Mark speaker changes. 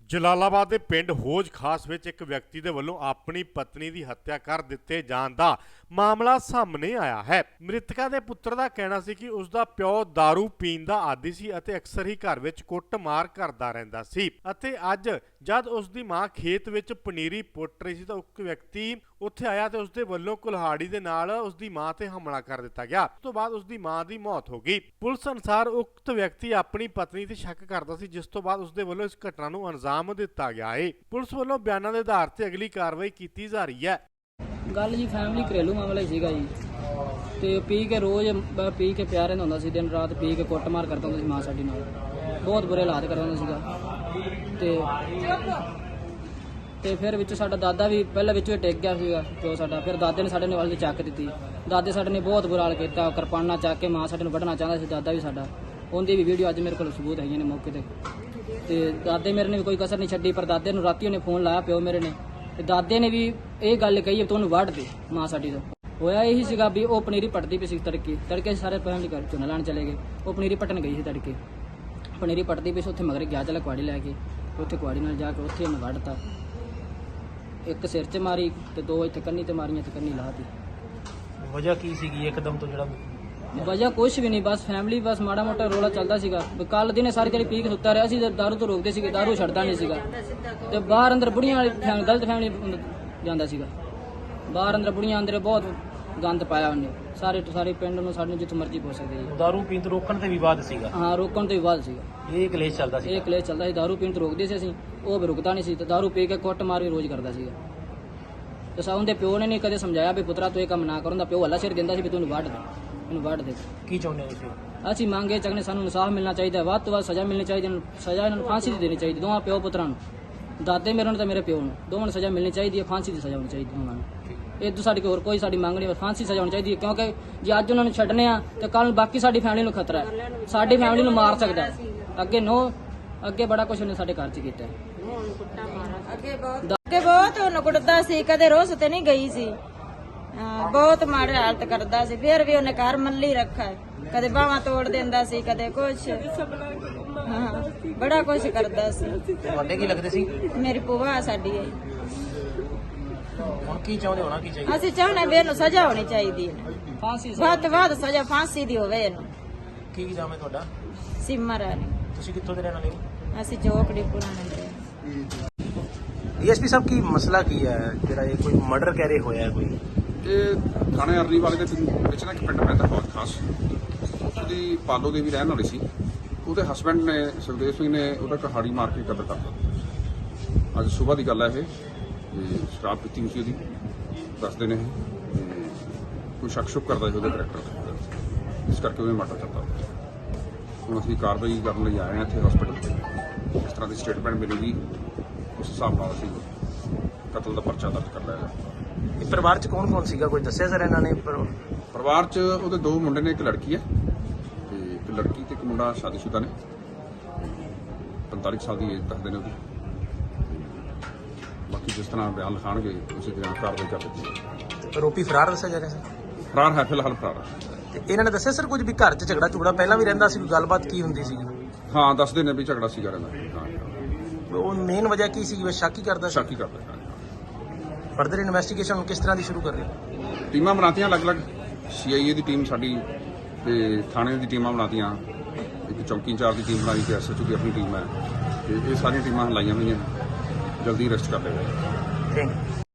Speaker 1: ਜਲਾਲਾਬਾਦ ਦੇ ਪਿੰਡ ਹੌਜ ਖਾਸ ਵਿੱਚ ਇੱਕ ਵਿਅਕਤੀ ਦੇ ਵੱਲੋਂ ਆਪਣੀ ਪਤਨੀ ਦੀ ਹੱਤਿਆ ਕਰ ਦਿੱਤੇ ਜਾਣ ਦਾ ਮਾਮਲਾ ਸਾਹਮਣੇ ਆਇਆ ਹੈ। ਮ੍ਰਿਤਕਾ ਦੇ ਪੁੱਤਰ ਦਾ ਕਹਿਣਾ ਸੀ ਕਿ ਉਸ ਦਾ ਪਿਓ दारू ਪੀਣ ਦਾ ਆਦੀ ਸੀ ਅਤੇ ਅਕਸਰ ਹੀ ਘਰ ਵਿੱਚ ਕੁੱਟਮਾਰ ਕਰਦਾ ਰਹਿੰਦਾ ਸੀ ਅਤੇ ਅੱਜ ਜਦ ਉਸ ਦੀ ਮਾਂ ਖੇਤ ਵਿੱਚ ਪਨੀਰੀ ਪੁੱਟ ਰਹੀ ਸੀ ਤਾਂ ਇੱਕ ਵਿਅਕਤੀ ਉੱਥੇ ਆਇਆ ਤੇ ਉਸ ਦੇ ਵੱਲੋਂ ਕੁਲਹਾੜੀ ਦੇ ਨਾਲ ਉਸ ਦੀ ਮਾਂ ਤੇ ਹਮਲਾ ਕਰ ਦਿੱਤਾ ਗਿਆ। ਉਸ ਤੋਂ ਬਾਅਦ ਉਸ ਦੀ ਮਾਂ ਦੀ ਮੌਤ ਹੋ ਗਈ। ਪੁਲਿਸ ਅਨੁਸਾਰ ਉਕਤ ਵਿਅਕਤੀ ਆਪਣੀ ਪਤਨੀ ਤੇ ਸ਼ੱਕ ਕਰਦਾ ਸੀ, ਜਿਸ ਤੋਂ ਬਾਅਦ ਉਸ ਦੇ ਵੱਲੋਂ ਇਸ ਘਟਨਾ ਨੂੰ ਅੰਜਾਮ ਦਿੱਤਾ ਗਿਆ ਹੈ। ਪੁਲਿਸ ਵੱਲੋਂ ਬਿਆਨਾਂ ਦੇ ਆਧਾਰ ਤੇ ਅਗਲੀ ਕਾਰਵਾਈ ਕੀਤੀ ਜਾ ਰਹੀ ਹੈ।
Speaker 2: ਗੱਲ ਜੀ ਫੈਮਿਲੀ ਘਰੇਲੂ ਮਾਮਲਾ ਹੀ ਸੀਗਾ ਜੀ, ਤੇ ਪੀ ਕੇ ਰੋਜ਼ ਪੀ ਕੇ ਪਿਆ ਰਹਿੰਦਾ ਹੁੰਦਾ ਸੀ, ਦਿਨ ਰਾਤ ਪੀ ਕੇ ਕੁੱਟਮਾਰ ਕਰਦਾ ਹੁੰਦਾ ਸੀ ਮਾਂ ਸਾਡੀ ਨਾਲ, ਬਹੁਤ ਬੁਰੇ ਹਾਲਾਤ ਕਰਦਾ ਹੁੰਦਾ ਸੀਗਾ। ਤੇ ਫਿਰ ਵਿੱਚ ਸਾਡਾ ਦਾਦਾ ਵੀ ਪਹਿਲਾਂ ਵਿੱਚੋਂ ਹੀ ਟਿਕ ਗਿਆ ਸੀਗਾ ਜੋ ਸਾਡਾ, ਫਿਰ ਦਾਦੇ ਨੇ ਸਾਡੇ ਨੇ ਵਾਲ ਦੀ ਚੱਕ ਦਿੱਤੀ। ਦਾਦੇ ਸਾਡੇ ਨੇ ਬਹੁਤ ਬੁਰਾ ਹਾਲ ਕੀਤਾ, ਕਿਰਪਾਨਾਂ ਚੱਕ ਕੇ ਮਾਂ ਸਾਡੇ ਨੂੰ ਵੱਢਣਾ ਚਾਹੁੰਦਾ ਸੀ ਦਾਦਾ ਵੀ ਸਾਡਾ। ਉਹਦੀ ਵੀ ਵੀਡੀਓ ਅੱਜ ਮੇਰੇ ਕੋਲ ਸਬੂਤ ਹੈਗੀਆਂ ਨੇ ਮੌਕੇ ਤੇ ਦਾਦੇ ਮੇਰੇ ਨੇ ਵੀ ਕੋਈ ਕਸਰ ਨਹੀਂ ਛੱਡੀ, ਪਰ ਦਾਦੇ ਨੂੰ ਰਾਤੀ ਉਹਨੇ ਫੋਨ ਲਾਇਆ ਪਿਓ ਮੇਰੇ ਨੇ, ਤੇ ਦਾਦੇ ਨੇ ਵੀ ਇਹ ਗੱਲ ਕਹੀ ਤੂੰ ਉਹਨੂੰ ਵੱਢ ਦੇ ਮਾਂ ਸਾਡੀ ਦਾ। ਹੋਇਆ ਇਹੀ ਸੀਗਾ ਵੀ ਉਹ ਪਨੀਰੀ ਪੱਟਦੀ ਪਈ ਸੀ ਤੜਕੇ ਸਾਰੇ ਫੈਮਿਲੀ ਘਰ ਝੋਨਾ ਲਾਉਣ ਚਲੇ ਗਏ। ਉਹ ਪਨੀਰੀ ਪੱਟਣ ਗਈ ਸੀ ਤੜਕੇ, ਪਨੀਰੀ ਪੱਟਦੀ ਪਈ ਸੀ, ਉੱਥੇ ਮਗਰ ਗਿਆ ਚਲਾ ਕੁਆੜੀ ਲੈ ਕੇ, ਉੱਥੇ ਕੁਆੜੀ ਨਾਲ ਜਾ ਕੇ ਉੱਥੇ ਉਹਨੇ ਵੱਢਤਾ। ਇੱਕ ਸਿਰ 'ਚ ਮਾਰੀ ਤੇ ਦੋ ਇੱਥੇ ਕੰਨੀ ਤੇ ਮਾਰੀਆਂ ਤੇ ਕੰਨੀ ਲਾਤੀ।
Speaker 3: ਵਜ੍ਹਾ ਕੀ ਸੀਗੀ ਇੱਕਦਮ ਤੋਂ ਜਿਹੜਾ?
Speaker 2: ਵਜ੍ਹਾ ਕੁਛ ਵੀ ਨਹੀਂ, ਬਸ ਫੈਮਿਲੀ ਬਸ ਮਾੜਾ ਮੋਟਾ ਰੋਲਾ ਚੱਲਦਾ ਸੀਗਾ। ਕੱਲ ਦਿਨੇ ਸਾਰੀ ਦਿਹਾੜੀ ਪੀ ਕੇ ਸੁੱਤਾ ਰਿਹਾ ਸੀ, ਦਾਰੂ ਤੋਂ ਰੋਕਦੇ ਸੀਗੇ, ਦਾਰੂ ਛੱਡਦਾ ਨਹੀਂ ਸੀਗਾ। ਤੇ ਬਾਹਰ ਅੰਦਰ ਬੁੜੀਆਂ ਵਾਲੀ ਗਲਤ ਫੈਮਿਲੀ ਜਾਂਦਾ ਸੀਗਾ, ਬਾਹਰ ਅੰਦਰ ਬੁੜੀਆਂ ਅੰਦਰ ਬਹੁਤ ਗੰਦ ਪਾਇਆ ਉਹਨੇ ਸਾਰੇ ਪਿੰਡ ਨੂੰ, ਸਾਡੇ ਜਿੱਥੇ ਮਰਜ਼ੀ ਪਹੁੰਚ ਸਕਦੇ ਜੀ।
Speaker 3: ਦਾਰੂ ਪੀਣ ਤੋਂ ਰੋਕਣ ਤੇ ਵਿਵਾਦ ਸੀਗਾ?
Speaker 2: ਹਾਂ, ਰੋਕਣ ਤੋਂ ਵਿਵਾਦ ਸੀਗਾ।
Speaker 3: ਇਹ ਕਲੇਸ਼ ਚੱਲਦਾ ਸੀ?
Speaker 2: ਇਹ ਕਲੇਸ਼ ਚੱਲਦਾ ਸੀ, ਦਾਰੂ ਪੀਣ ਤੋਂ ਰੋਕਦੇ ਸੀ ਅਸੀਂ, ਉਹ ਵੀ ਰੁਕਦਾ ਨਹੀਂ ਸੀ ਤੇ ਦਾਰੂ ਪੀ ਕੇ ਕੁੱਟ ਮਾਰ ਵੀ ਰੋਜ਼ ਕਰਦਾ ਸੀਗਾ। ਤੇ ਸਾਉਂ ਦੇ ਪਿਓ ਨੇ ਨਹੀਂ ਕਦੇ ਸਮਝਾਇਆ ਵੀ ਪੁੱਤਰਾ ਤੂੰ ਇਹ ਕੰਮ ਨਾ ਕਰਨ ਦਾ। ਪਿਓ ਹੱਲਾ ਸਿਰ ਦਿੰਦਾ ਸੀ ਵੀ ਤੂੰ ਇਹਨੂੰ ਵੱਢ ਦੇ।
Speaker 3: ਕੀ ਚਾਹੁੰਦੇ ਹੋ ਤੁਸੀਂ?
Speaker 2: ਅਸੀਂ ਮੰਗੇ ਚੱਕਨੇ, ਸਾਨੂੰ ਇਨਸਾਫ ਮਿਲਣਾ ਚਾਹੀਦਾ, ਵੱਧ ਤੋਂ ਵੱਧ ਸਜ਼ਾ ਮਿਲਣੀ ਚਾਹੀਦੀ, ਸਜ਼ਾ ਇਹਨਾਂ ਨੂੰ ਫਾਂਸੀ ਦੀ ਦੇਣੀ ਚਾਹੀਦੀ, ਦੋਵਾਂ ਪਿਓ ਪੁੱਤਰਾਂ ਨੂੰ, ਦਾਦੇ ਮੇਰੇ ਨੂੰ ਤੇ ਮੇਰੇ ਪਿਓ ਨੂੰ, ਦੋਵਾਂ ਨੂੰ ਸਜ਼ਾ ਮਿਲਣੀ ਚਾਹੀਦੀ ਹੈ, ਫਾਂਸੀ ਦੀ ਸਜ਼ਾ ਹੋਣੀ ਚਾਹੀਦੀ ਉਹਨਾਂ ਨੂੰ। ਇਹ ਤੋਂ ਸਾਡੀ ਹੋਰ ਕੋਈ ਸਾਡੀ ਮੰਗ ਨਹੀਂ, ਫਾਂਸੀ ਸਜ਼ਾ ਹੋਣੀ ਚਾਹੀਦੀ ਹੈ, ਕਿਉਂਕਿ ਜੇ ਅੱਜ ਉਹਨਾਂ ਨੂੰ ਛੱਡਨੇ ਆ ਤੇ ਕੱਲ ਬਾਕੀ ਸਾਡੀ ਫੈਮਿਲੀ ਨੂੰ ਖਤਰਾ ਹੈ, ਸਾਡੀ ਫੈਮਿਲੀ ਨੂੰ ਮਾਰ ਸਕਦਾ ਹੈ। ਅੱਗੇ ਬੜਾ ਕੁਝ ਉਹਨੇ ਸਾਡੇ ਘਰ 'ਚ ਕੀਤਾ ਹੈ।
Speaker 4: ਅੱਗੇ ਬਹੁਤ ਉਹਨੂੰ ਕੁੱਟਦਾ ਸੀ, ਕਦੇ ਰੋਸ ਤੇ ਨਹੀਂ ਗਈ ਸੀ। ਬਹੁਤ ਮਾੜੀ ਹਾਲਤ ਕਰਦਾ ਸੀ, ਫਿਰ ਵੀ ਉਹਨੇ ਘਰ ਮੱਲੀ ਰੱਖਾ, ਕਦੇ ਬਾਹਾਂ ਤੋੜ ਦਿੰਦਾ ਸੀ, ਕਦੇ ਕੁਛ, ਬੜਾ ਕੁਛ ਕਰਦਾ ਸੀ।
Speaker 3: ਤੁਹਾਡੇ ਕੀ ਲੱਗਦੇ ਸੀ?
Speaker 4: ਮੇਰੀ ਭੂਆ ਸਾਡੀ ਹੈ।
Speaker 3: ਹੁਣ ਕੀ ਚਾਹੁੰਦੇ, ਹੋਣਾ ਕੀ ਚਾਹੀਦਾ?
Speaker 4: ਅਸੀਂ ਚਾਹੁੰਦੇ ਵੀ ਇਹਨੂੰ ਸਜ਼ਾ ਹੋਣੀ ਚਾਹੀਦੀ ਹੈ,
Speaker 2: ਫਾਂਸੀ
Speaker 4: ਵੱਧ ਤੋਂ ਵੱਧ ਸਜ਼ਾ ਫਾਂਸੀ ਦੀ ਹੋਵੇ ਇਹਨੂੰ।
Speaker 3: ਕੀ ਨਾਮ ਹੈ ਤੁਹਾਡਾ?
Speaker 4: ਸਿਮਰ ਰਾਣੀ।
Speaker 3: ਤੁਸੀਂ ਕਿੱਥੋਂ ਦੇ ਰਹਿਣ ਵਾਲੇ ਹੋ?
Speaker 4: ਅਸੀਂ ਚੌਕੜੀ ਪੁਰਾਣੇ ਦੇ।
Speaker 3: ਡੀਐਸਪੀ ਸਾਹਿਬ, ਕੀ ਮਸਲਾ ਕੀ ਹੈ ਜਿਹੜਾ ਇਹ ਕੋਈ ਮਰਡਰ ਕਹਿ ਰਹੇ ਹੋਇਆ ਕੋਈ?
Speaker 5: ਇਹ ਥਾਣੇ ਅਰਲੀ ਵਾਲੇ ਦੇ ਵਿੱਚ ਨਾ ਇੱਕ ਪਿੰਡ ਪੈਂਦਾ ਹੌਜ ਖਾਸ, ਉਹਦੀ ਪਾਲੋ ਦੇ ਵੀ ਰਹਿਣ ਵਾਲੀ ਸੀ। ਉਹਦੇ ਹਸਬੈਂਡ ਨੇ ਸੁਖਦੇਵ ਸਿੰਘ ਨੇ ਉਹਦਾ ਕਹਾੜੀ ਮਾਰ ਕੇ ਕਤਲ ਕਰ ਦਿੱਤਾ। ਅੱਜ ਸਵੇਰ ਦੀ ਗੱਲ ਹੈ ਇਹ, ਤੇ ਸ਼ਰਾਬ ਪੀਤੀ ਹੋਈ ਸੀ ਉਹਦੀ, ਦੱਸਦੇ ਨੇ ਇਹ, ਤੇ ਕੋਈ ਸ਼ੱਕ ਸ਼ੁਕ ਕਰਦਾ ਸੀ ਉਹਦੇ ਕਰੈਕਟਰ ਤੇ, ਇਸ ਕਰਕੇ ਉਹਨੇ ਮਰਡਰ ਕਰਤਾ। ਹੁਣ ਅਸੀਂ ਕਾਰਵਾਈ ਕਰਨ ਲਈ ਆਏ ਹਾਂ ਇੱਥੇ ਹਸਪੀਟਲ, ਇਸ ਤਰ੍ਹਾਂ ਦੀ ਸਟੇਟਮੈਂਟ ਮਿਲੇਗੀ ਉਸ ਹਿਸਾਬ ਨਾਲ ਅਸੀਂ ਕਤਲ ਦਾ ਪਰਚਾ ਦਰਜ ਕਰ ਲਿਆ।
Speaker 3: ਇਹ ਪਰਿਵਾਰ 'ਚ ਕੌਣ ਸੀਗਾ, ਕੋਈ ਦੱਸਿਆ ਸਰ ਇਹਨਾਂ ਨੇ?
Speaker 5: ਪਰਿਵਾਰ 'ਚ ਉਹਦੇ ਦੋ ਮੁੰਡੇ ਨੇ, ਇੱਕ ਲੜਕੀ ਹੈ, ਤੇ ਇੱਕ ਲੜਕੀ ਤੇ ਇੱਕ ਮੁੰਡਾ ਸ਼ਾਦੀशुदा ਨੇ, 45 ਸਾਲ ਦੀ ਏਜ ਦੱਸਦੇ ਨੇ ਉਹਦੀ। ਬਾਕੀ ਜਿਸ ਤਰ੍ਹਾਂ ਬਿਆਨ ਲਿਖਾਣਗੇ ਉਸੇ ਤਰ੍ਹਾਂ ਕਾਰਵਾਈ ਕਰ ਦਿੱਤੀ।
Speaker 3: ਆਰੋਪੀ ਫਰਾਰ ਦੱਸਿਆ ਜਾ ਰਿਹਾ ਸਰ?
Speaker 5: ਫਰਾਰ ਹੈ, ਫਿਲਹਾਲ ਫਰਾਰ ਹੈ।
Speaker 3: ਤੇ ਇਹਨਾਂ ਨੇ ਦੱਸਿਆ ਸਰ ਕੁਝ ਵੀ ਘਰ 'ਚ ਝਗੜਾ ਝੁਗੜਾ ਪਹਿਲਾਂ ਵੀ ਰਹਿੰਦਾ ਸੀ, ਕੋਈ ਗੱਲਬਾਤ ਕੀ ਹੁੰਦੀ ਸੀ?
Speaker 5: ਹਾਂ, ਦੱਸਦੇ ਨੇ ਵੀ ਝਗੜਾ ਸੀਗਾ ਰਹਿੰਦਾ। ਹਾਂ,
Speaker 3: ਉਹ ਮੇਨ ਵਜ੍ਹਾ ਕੀ ਸੀ? ਬਸ ਸ਼ੱਕ ਹੀ ਕਰਦਾ ਸੀ?
Speaker 5: ਸ਼ੱਕ ਹੀ ਕਰਦਾ ਹੈ।
Speaker 3: ਫਰਦਰ ਇਨਵੈਸਟੀਗੇਸ਼ਨ ਕਿਸ ਤਰ੍ਹਾਂ ਦੀ ਸ਼ੁਰੂ ਕਰ ਰਹੇ?
Speaker 5: ਟੀਮਾਂ ਬਣਾਤੀਆਂ ਅਲੱਗ-ਅਲੱਗ, CIA ਦੀ ਟੀਮ ਸਾਡੀ ਤੇ ਥਾਣੇ ਦੀ ਟੀਮਾਂ ਬਣਾਤੀਆਂ, ਇੱਕ ਚੌਕੀ ਇੰਚਾਰਜ ਦੀ ਟੀਮ ਬਣਾਈ ਤੇ SHO ਦੀ ਆਪਣੀ ਟੀਮ ਹੈ, ਤੇ ਇਹ ਸਾਰੀਆਂ ਟੀਮਾਂ ਲਾਈਆਂ ਹੋਈਆਂ, ਜਲਦੀ ਅਰੈਸਟ ਕਰ ਲਏਗਾ।
Speaker 3: Thank you.